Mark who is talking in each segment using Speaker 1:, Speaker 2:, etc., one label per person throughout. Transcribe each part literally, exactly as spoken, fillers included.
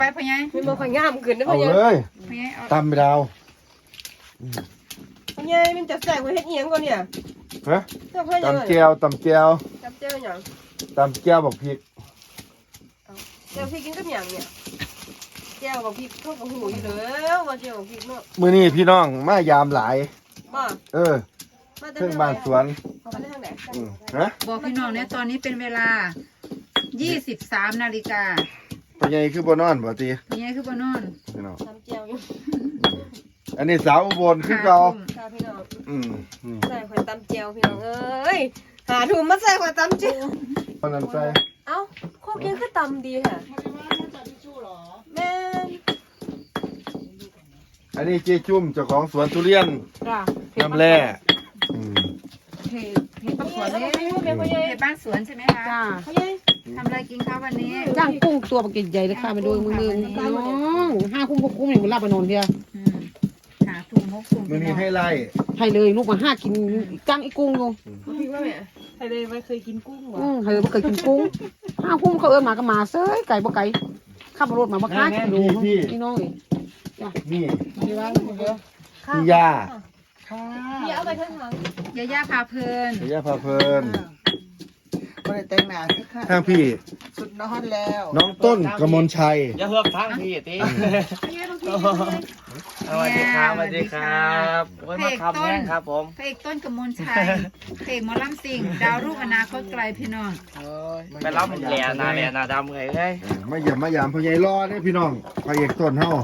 Speaker 1: ไปพะยัย
Speaker 2: ไม่มาพะงามขึ้นนะ
Speaker 3: เอา
Speaker 2: พะยัย
Speaker 3: เลยตำไปดาว
Speaker 2: พะยัยมันจะแสบกว่าเฮ็ดเอียงก่อนเนี่ย
Speaker 3: ฮะตำเจียวตำเจียว
Speaker 2: ตำเจียวอย่าง
Speaker 3: ตำเจียวบอกพริก
Speaker 2: เจียวพี่กินกับอย่างเนี่ยเจียวกับพริกพวกกับหูอยู่แล้วว่าเจียวกับพริกเนาะ
Speaker 3: มื้อนี้พี่น้องมายามหลาย
Speaker 2: บ้า
Speaker 3: เออเพิ่งบ้านสวนฮะ
Speaker 1: บอกพี่น้องเนี่ยตอนนี้เป็นเวลายี่สิบสามนาฬิกา
Speaker 3: พ่อใหญ่คือบ่นอนบ่ติ
Speaker 1: พ่อใหญ่คือบ่นอน
Speaker 3: พี่น้อง
Speaker 2: ตำเจียวอยู่
Speaker 3: อันนี้สาวอุบลคือเก่า
Speaker 2: พี่น้อง
Speaker 3: อืม
Speaker 2: ใส่ข่อยตำเจียวพี่น้องเอ้ยหาถุงมาใส่ข่อยตำเจียว
Speaker 3: คนนั้นใส่
Speaker 2: เอ้าโคกยังคือตำดีค่ะแม่
Speaker 3: อันนี้เจ๊จุ่มเจ้าของสวนทุเรียนน้ำแร่
Speaker 1: เห็ดเห็ดบ้านสวนนี่เห็ดบ้านสวนใช่ไหมคะจ้าทำอะไรกินข้าววันนี้
Speaker 4: จ้างกุ้งตัวปลาใหญ่เลยค่ะมาดูมือมือน้องห้าคุ้มหกคุ้มอย่างมันลาบานนเดียว
Speaker 1: หาถุงมกถุง
Speaker 3: มือนี้ให้ไล่
Speaker 4: ให้เลยลูกมาห้ากินจ้างไอ้กุ้งดู
Speaker 2: พี่ว่าแม่ให้เลยไม่เคยกินกุ้งหรอ
Speaker 4: อืมให้เลยไม่เคยกินกุ้งห้าคุ้มเขาเอิ้นมาก็มาเซ้ยไก่บ่ไก่ข้าวมารถมาบ่ค้ากินดูพี่น้องเลย
Speaker 3: นี่
Speaker 4: นี่ว่า
Speaker 3: พี่ยา
Speaker 2: พี่เอาไปข้างหลัง
Speaker 1: ยาย่าพาเพลิน
Speaker 3: ยาย่าพาเพลิน
Speaker 4: ไม่ได้แต่งหน้าสิค่ะ
Speaker 3: ทางพี่
Speaker 4: สุดนอนแล้ว
Speaker 3: น้องต้นกมลชัย
Speaker 5: อย่าเฮือกทางพี่ตีสวัสดีครับสวัสดีครับโอ้ยมาขับแน่ครับผม
Speaker 1: พระเอกต้นกมลชัยพระเอกหมอลำสิงดาวรุ่งอนาคตไกลพี่น้อง
Speaker 5: ไปรับแหล่นาแหล่นาดำไงเอ้ย
Speaker 3: ไม่หย่ำไม่หย่ำพ่อใหญ่รอเนี่ยพี่น้องพระเอกต้นเฮา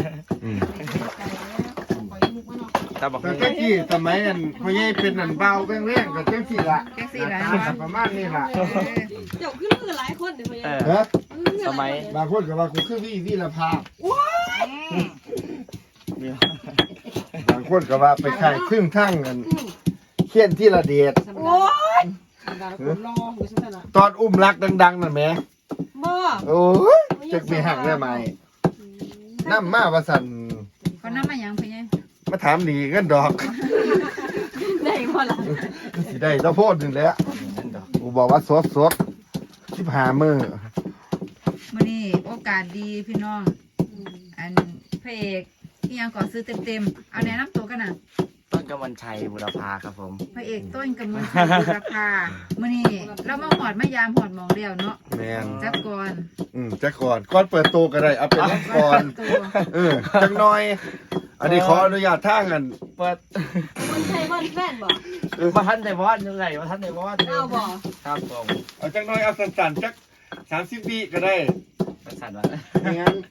Speaker 3: แต่ก็กี่สมัยนั้นพ่อใหญ่เป็นนันเบาแป้งแรงกับเจ้าสี่ละ
Speaker 1: เจ้าสี่ละ
Speaker 3: ประมาณนี้ละ
Speaker 2: เจ้าขึ้นมือหลายคนเดี๋ยวพ่อใหญ่
Speaker 3: ฮะ
Speaker 5: สมัย
Speaker 3: บางคนกับว่ากูคือวิวิรภาพบางคนกับว่าไปขายครึ่งทั้งกันเขียนที่ระเดียดตอนอุ้มรักดังๆนั่นไหม
Speaker 2: บ่
Speaker 3: โอ้ยจะมีหักได้ไหมน้ำมาว่าสัน
Speaker 1: เขาน้ำมาอย่างเพียง
Speaker 3: มาถามหนีเงินดอก
Speaker 2: ได้พอละ
Speaker 3: สิได้ต้องโพดหนึ่งแล้วกูบอกว่าสดสดชิบหามือ
Speaker 1: มันนี่โอกาสดีพี่น้องอันพระเอกที่ยังก่อซื้อเต็มๆเอาแนะนำตัวกันนะ
Speaker 5: ต้นกำมลชัยบุรพาครับผม
Speaker 1: พระเอกต้นกำมลชัยบุรพามันนี่เรามาหอดมายามหอดมองเดียวเนาะ
Speaker 3: แม่น
Speaker 1: จักก่อน
Speaker 3: อืมจักก่อนก่อนเปิดตัวก็ได้เอาเป็นนักก่อนเออจังน้อยอันนี้ขออนุญาตทางกัน
Speaker 5: เปิด
Speaker 2: มันใช่บ้านแฟนบ่
Speaker 5: มาท่านในวอดยังไงมาท่านในวอด
Speaker 2: เอาบ่
Speaker 5: ครับผม
Speaker 3: เอาจังน้อยเอาสั้นๆจักสามสิบวิก็ได้
Speaker 5: สั้นๆวะ
Speaker 3: งั้น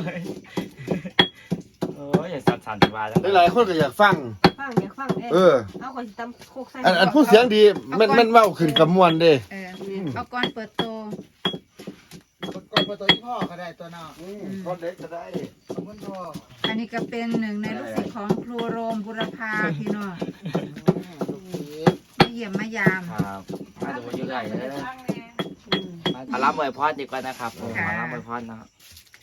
Speaker 5: โอ้ยอย่าสั่นๆมา
Speaker 3: แล้วหลายคนก็อยากฟัง
Speaker 2: ฟังอยากฟัง
Speaker 3: เออ
Speaker 2: เอาคนตำโคกใส่
Speaker 3: อันอันพูดเสียงดีมันมันเว้าขึ้นกับมวลเด้
Speaker 1: เออเอาก่อนเปิดโต
Speaker 4: ก่อนเปิดตัวที่พ่อก็ได้ตัวน้า
Speaker 3: ก่อนเล็กก็ได้
Speaker 4: ขอบคุณพ่อ
Speaker 1: อันนี้ก็เป็นหนึ่งในลูกศิษย์ของครูโรมบุรพาพี่น้องมาเยี่ยมมายาม
Speaker 5: ครับมาดูยังไงเลยมารับมวยพอดดีกว่านะครับผมมารับมวยพอดนะครับ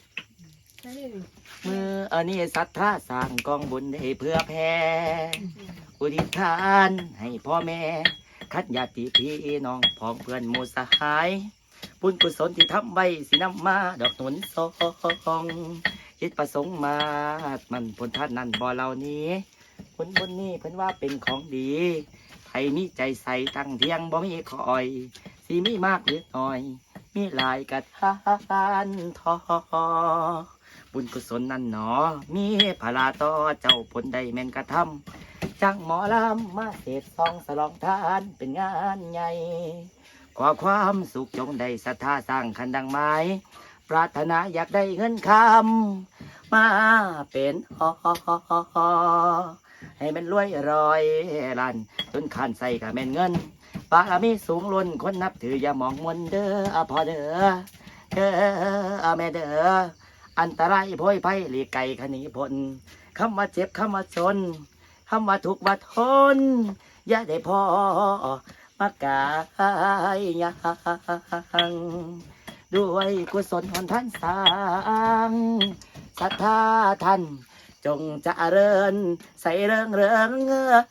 Speaker 5: เมื่ออันนี้ศรัทธาสร้างกองบุญให้เพื่อแผ่อุทิศทานให้พ่อแม่คัดญาติพี่น้องพ้องเพื่อนหมู่สหายบุญกุศลที่ทำไว้สินำมาดอกหนุนทองจิตประสงค์มามันผลท่านนั่นบ่เหล่านี้ผลบุญนี้เพิ่นว่าเป็นของดีใครมีใจใส่ตั้งเที่ยงบ่มีคอยสิมีมากหรือน้อยมีหลายกระทานทอบุญกุศลนั่นหนอมีพลาต่อเจ้าผลใดแม่นกระทำจังหมอลำมาเสพซองสลองทานเป็นงานใหญ่ขอความสุขจงได้ศรัทธาสร้างคันดังไม้ปรารถนาอยากได้เงินคำมาเป็นหอให้มันรวยรอยลันจนขันใส่กับแม่นเงินบารมีสูงล้นคนนับถืออย่ามองมนเด้อพอเด้อเด้อแม่เด้ออันตรายโพยไพ่หลีกไก่ขณีพลคำว่าเจ็บคำว่าชนคำว่าทุกข์ว่าทนอย่าได้พอมากายยังด้วยกุศลของท่านสร้างศรัทธาท่านจงเจริญใส่เริงเริง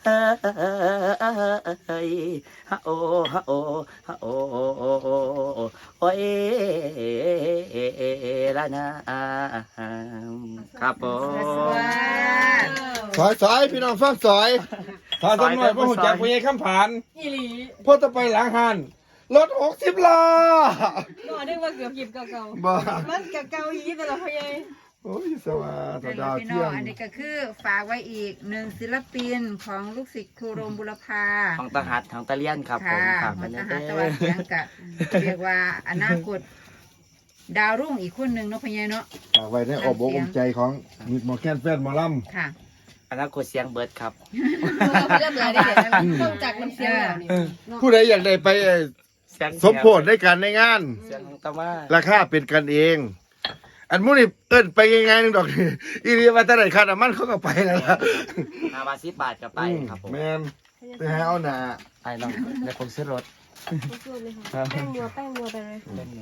Speaker 5: เอ้ยฮะโอฮะโอฮะโอโอ้ยละนะครับผม
Speaker 3: สอยสอยพี่น้องฟังสอยถ้าสำหน่อยพ่อหุ่นจักรพยายคำผ่าน
Speaker 2: อีหลี
Speaker 3: พ่อจะไปหลังหันรถหกสิบล้อ
Speaker 2: ก็นึกว่าเกือบหยิบเก่า
Speaker 3: บ้า
Speaker 2: ๆมันกับเก่าอีแต่ละพ่อใหญ่
Speaker 3: โอ้ยสวัส
Speaker 1: เป็น
Speaker 3: ดีดาว
Speaker 1: พี่น้
Speaker 3: เที่
Speaker 1: อย ง
Speaker 3: ง
Speaker 1: อันนี้ก็คือฝากไว้อีกหนึ่งศิลปินของลูกศิษย์ครูโรมบุรพา
Speaker 5: ของตาหัดของตาเลียนครับผ
Speaker 1: ค่ะ
Speaker 5: มฝาก
Speaker 1: มั
Speaker 5: ไว้
Speaker 1: น
Speaker 5: ใน
Speaker 1: จะ
Speaker 5: เด้
Speaker 1: หาตะวัน
Speaker 5: อ
Speaker 1: เสียงกับเรียกว่าอนาคตดาวรุ่งอีกคนหนึ่งเนาะพี่ใหญ่เนาะ
Speaker 3: ฝากไว้ในอ้อมอกอ้อมใจของมิดหมอแคนแฟนหมอล
Speaker 1: ค่ะ
Speaker 5: อนาคตเสียงเบิร์ดครับ
Speaker 2: เริ่มเลยได้เห็นต้องจากน้ำเสียงแล้วนี่
Speaker 3: ำผู้ใดอยากได้ไปเอ่อ
Speaker 5: เสียง
Speaker 3: สมโพธิได้กันในงาน
Speaker 5: เสียงของตามา
Speaker 3: ราคาเป็นกันเอง อันมูนี่เอิ้นไปยังไงนึงดอกนี่อีเรียว่าแต่ไหนค่าน้ำมันเขาก็ไปแล้วล่ะ
Speaker 5: ห้าบาทสิบบาทก็ไปครับผม
Speaker 3: แมนไปหาเอาหนา
Speaker 5: ไอ้น้องเดี๋ยวผมซื้อรถ
Speaker 2: สู้ๆเลยค่ะแป้งนัวแป้งนัวไปเลย
Speaker 5: เล่นมา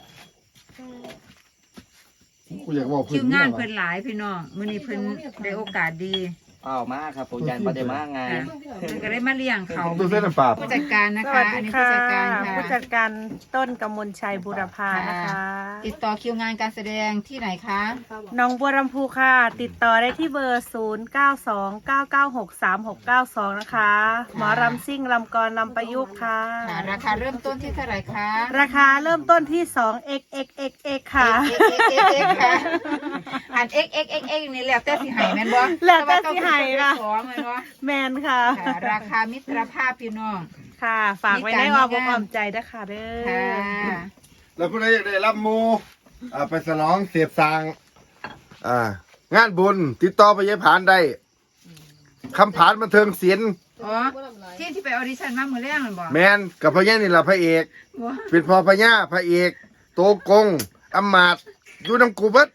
Speaker 3: กูอยากบอก
Speaker 1: คิว
Speaker 3: เพื่
Speaker 1: งาน
Speaker 3: อน
Speaker 1: เพิ่นหลายพี่น้องมื้อนี้เพิ่นได้โอกาสดี
Speaker 5: อ้าวมาครับผมยันประเดมาไง
Speaker 1: ค่ะเพิ่นก็ได้มาเลี้ยงเขา
Speaker 3: ดูเส้นน้ำปลา
Speaker 1: ผู้จัดการนะ
Speaker 6: ส
Speaker 1: คะ
Speaker 6: วัส
Speaker 1: อัน
Speaker 6: ดี
Speaker 1: นี้
Speaker 6: ค่ะ
Speaker 1: ผู้จัดการค่ะ
Speaker 6: ผู้จัดการต้นกมลชัยบุรพานะคะ
Speaker 1: ติดต่อคิวงานการแสดงที่ไหนคะ
Speaker 6: น้องบัวลำพูค่ะ ติดต่อได้ที่เบอร์ ศูนย์ เก้า สอง เก้า เก้า หก สาม หก เก้า สอง นะคะ หมอรำซิ่งลำกรลำประยุกต์ค่ะ
Speaker 1: ค่ะ ราคาเริ่มต้นที่เท่าไหร่คะ
Speaker 6: ราคาเริ่มต้นที่ สอง เอ็กซ์ เอ็กซ์ เอ็กซ์ เอ็กซ์ ค่ะ
Speaker 1: เอ็กเอ็กเอ็กค่ะอันเอ็กเอ็กเอ็กเอ็กนี่แล้วแต่สิใหายแม่นบ่
Speaker 6: แล้วแต่สิให้ค่ะ
Speaker 1: สองแม่นบ่
Speaker 6: แมนค่ะ
Speaker 1: ค่ะราคามิตรภาพพี่น้อง
Speaker 6: ค่ะ ฝากไว้ในอ้อมอกอ้อมใจนะคะเด้
Speaker 1: ค่ะ
Speaker 6: อ
Speaker 3: แล้วผู้ใดอยากได้รับหมูอ่าไปสนองเสียบสางอ่างานบุญติดต่อไปยายผานได้คำผานบันเทิงศิลป์
Speaker 1: อ๋อที่ที่ไปออดิชั่นมามื้อแรกนั่นบ่
Speaker 3: แมนกับพญานี่ล่ะพระเอก
Speaker 1: บ่
Speaker 3: เป็นพ่อพญาพระเอก โตกงอำมาตย์อยู่น้ำกูเบิด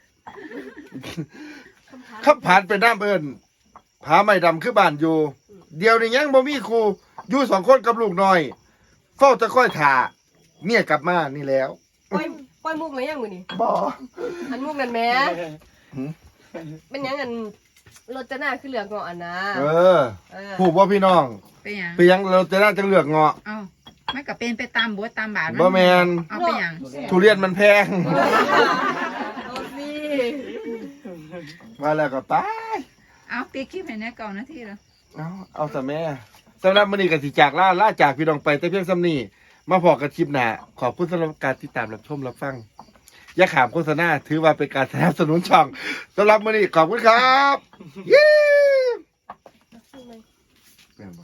Speaker 3: คำผานเป็นน้ำเอิญผาไม่ดำคือบ้านอยู่ เดียวนี่ยังบ่มีครูอยู่สองคนกับลูกน้อยเฝ้าจะค่อยถ่าเมียกลับมานี่แล้ว
Speaker 2: ปล่อยปล่อยมุกเลยยังมือนี่
Speaker 3: บ่
Speaker 2: อันมุกนั่นแหม่
Speaker 3: หืม
Speaker 2: เป็นยังอันรถจะหน้าขึ้นเหลืองเงาะอันนะ
Speaker 3: เออ
Speaker 2: เออ
Speaker 3: ผูกว่าพี่น้อง
Speaker 1: เป็นหยัง
Speaker 3: ไปยังเราจะน่าจะเลือกเงาะ
Speaker 1: เอ้าไม่ก็เป็นไปตามบทตามบาท
Speaker 3: บ่แมน
Speaker 1: เอาไปหยัง
Speaker 3: ทุเรียนมันแพง
Speaker 2: เอาสิ
Speaker 3: มาแล้วก็ไป
Speaker 1: เอาปีคลิปให้แน่เก่านาทีแล้ว
Speaker 3: เอาเอาแต่แม่สำหรับมื้อนี้ก็สิจากล่าล่าจากพี่น้องไปแต่เพียงซ้ำนี้มาพอกันคลิปหน้าขอบคุณสำหรับการติดตามรับชมรับฟัง อย่าขามโฆษณาถือว่าเป็นการสนับสนุนช่องสำหรับมื้อนี้ขอบคุณครับ เย้